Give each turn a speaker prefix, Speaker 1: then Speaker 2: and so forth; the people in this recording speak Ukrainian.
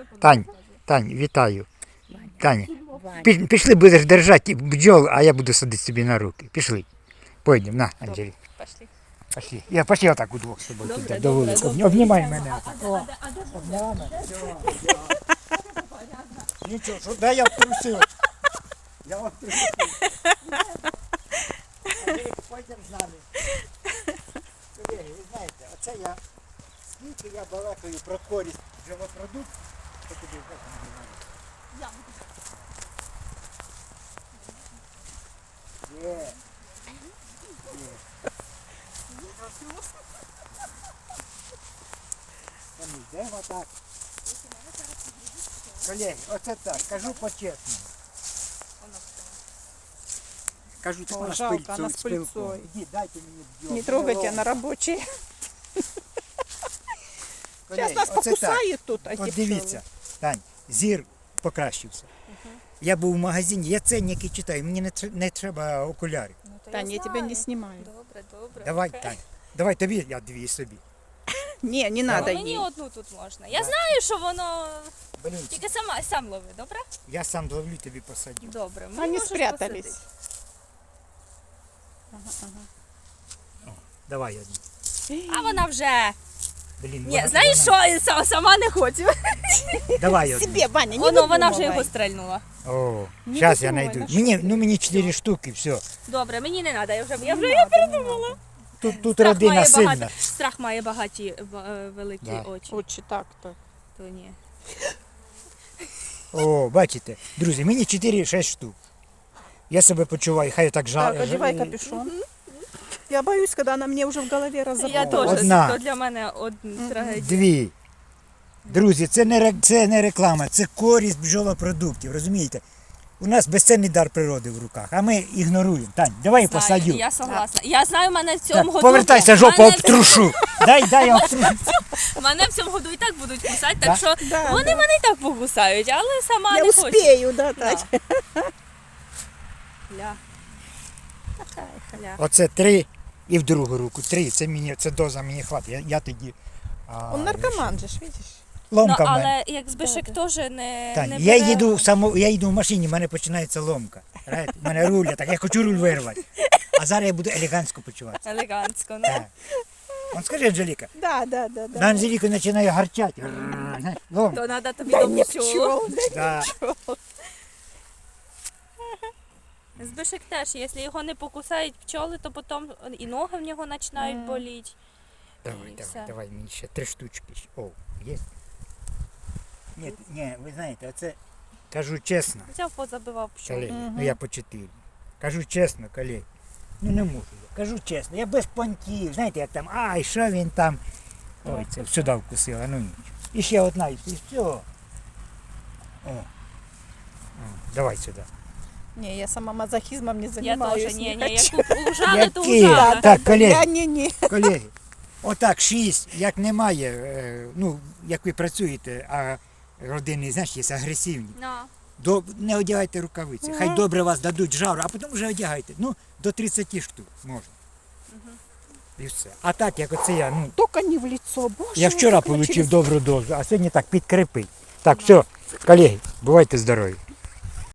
Speaker 1: Тань, вітаю. Таня, пішли, будеш держати бджол, а я буду садити собі на руки. Пішли. Пойдемо, на, Анжелі.
Speaker 2: Пошли.
Speaker 1: Пошли. Я пошли отак удвох з тобою.
Speaker 2: Добре,
Speaker 1: до вулиці.
Speaker 2: добре.
Speaker 1: Обнімай мене. Обняла мене. Нічого, що, дай я втрусив. Я втрусив. Пойдемо з нами. Колеги, ви знаєте, оце я, скільки я балакаю про користь бджолопродуктів, то тобі як не знаю. Є. Йдемо так. Колеги, оце так, кажу по-чесному. Кажу, так вона
Speaker 3: жалко, она с
Speaker 1: з пилком.
Speaker 3: пыльцой.
Speaker 1: Іди, дайте мені бджол.
Speaker 3: Не трогайте, она рабочая.
Speaker 1: Колеги,
Speaker 3: Сейчас нас
Speaker 1: оце так.
Speaker 3: покусает тут, а
Speaker 1: От дивіться, Тань, зір покращився. Я був в магазині, я ценники читаю, мені не треба окулярів.
Speaker 3: Таня, я тебя не снимаю.
Speaker 2: Добре, добре.
Speaker 1: Давай,
Speaker 2: окей.
Speaker 1: Тань, давай тобі, я дві собі.
Speaker 3: Не надо
Speaker 2: Мені
Speaker 3: ей.
Speaker 2: одну тут можна. Я знаю, що воно
Speaker 1: Блін,
Speaker 2: тільки сам лови, добре?
Speaker 1: я сам ловлю, тобі посадю.
Speaker 2: Добре. Мені
Speaker 3: Они
Speaker 2: можеш
Speaker 3: спрятались.
Speaker 2: посадити.
Speaker 1: Давай одну.
Speaker 2: А вона вже.
Speaker 1: Блін,
Speaker 2: Ні, знаєш що, сама не хочу.
Speaker 1: Давай одну.
Speaker 3: Себе, Ваня, не
Speaker 2: Вона вже
Speaker 3: выдумывай.
Speaker 2: його стрельнула.
Speaker 1: О,
Speaker 3: Не
Speaker 1: зараз я
Speaker 3: видумывай,
Speaker 1: знайду.
Speaker 3: на що
Speaker 1: Мені 4 штуки, все.
Speaker 2: Добре, мені не треба, я
Speaker 3: передумала.
Speaker 1: Тут родина сильна.
Speaker 2: Страх має багаті великі
Speaker 1: Да.
Speaker 2: очі.
Speaker 3: Очи так-то.
Speaker 2: То ні.
Speaker 1: О, бачите, друзі, мені 4-6 штук. Я себе почуваю, хай так
Speaker 3: Так, одевай капюшон. Я боюсь, когда она мне уже в голове
Speaker 2: Я
Speaker 3: разобрала.
Speaker 2: теж,
Speaker 1: Одна.
Speaker 2: то для мене трагедія.
Speaker 1: Дві. Друзі, це не реклама, це користь бджолопродуктів, розумієте? У нас безцінний дар природи в руках, а ми ігноруємо. Тань, давай я посадю.
Speaker 2: Я согласна. Я знаю, мене в цьому
Speaker 1: Так,
Speaker 2: году...
Speaker 1: повертайся, жопу обтрушу. Дай я обтрушу.
Speaker 2: Мене в цьому году і так будуть кусати,
Speaker 1: Да?
Speaker 2: так що
Speaker 3: Да,
Speaker 2: вони
Speaker 3: да.
Speaker 2: мене і так покусають, але сама
Speaker 3: Я
Speaker 2: не хочу.
Speaker 3: успею, да, Тать.
Speaker 2: Ля. Така, ля.
Speaker 1: Оце 3 і в другу руку. 3, це доза мені хватить. Я тоді...
Speaker 3: Он наркоман же, ж, видишь?
Speaker 1: Ломка в мене.
Speaker 2: Але як Збишек теж не
Speaker 1: Тань,
Speaker 2: бере.
Speaker 1: я їду в машині, в мене починається ломка. Знаєте, в мене руля, так я хочу руль вирвати. А зараз я буду елегантсько почуватися.
Speaker 2: Елегантсько, ну.
Speaker 1: Так. Он скажи, Анжеліка,
Speaker 3: Да.
Speaker 1: на Анжеліку починає гарчати. Знаєш, ломка.
Speaker 2: То треба тобі
Speaker 3: Да
Speaker 2: до
Speaker 3: не
Speaker 2: пчол.
Speaker 3: пчел,
Speaker 1: Да.
Speaker 2: Збишек теж, якщо його не покусають пчоли, то потім і ноги в нього починають боліти.
Speaker 1: Давай, мені ще 3 штучки. О, є? Ні, ви знаєте, оце, кажу чесно,
Speaker 2: Взяв, позабивав пчол.
Speaker 1: колеги, ну я по 4. Кажу чесно, колеги, ну не можу я. Кажу чесно, я без понтів, знаєте, як там, ай, що він там. Ой, це сюди вкусила, ну нічого. І ще одна, і все. О. Давай сюди.
Speaker 3: Не, я сама мазохизмом не
Speaker 2: Я
Speaker 3: занимаюсь.
Speaker 2: теж, ні,
Speaker 3: не
Speaker 2: як
Speaker 3: хочу.
Speaker 2: ужали, то
Speaker 1: Які?
Speaker 2: ужали.
Speaker 1: Так, колеги.
Speaker 3: Я не.
Speaker 1: Колеги, отак 6, як немає, ну, як ви працюєте, а родини, знаєш, є агресивні,
Speaker 2: Ну,
Speaker 1: не одягайте рукавиці. Хай добре вас дадуть жару, а потім вже одягайте. Ну, до 30 штук можна. І все. А так, як оце я, ну,
Speaker 3: Только не в лицо, боже.
Speaker 1: я вчора
Speaker 3: как
Speaker 1: отримав
Speaker 3: через-
Speaker 1: добру дозу, а сьогодні так підкріпить. Так, все, колеги, бувайте здорові.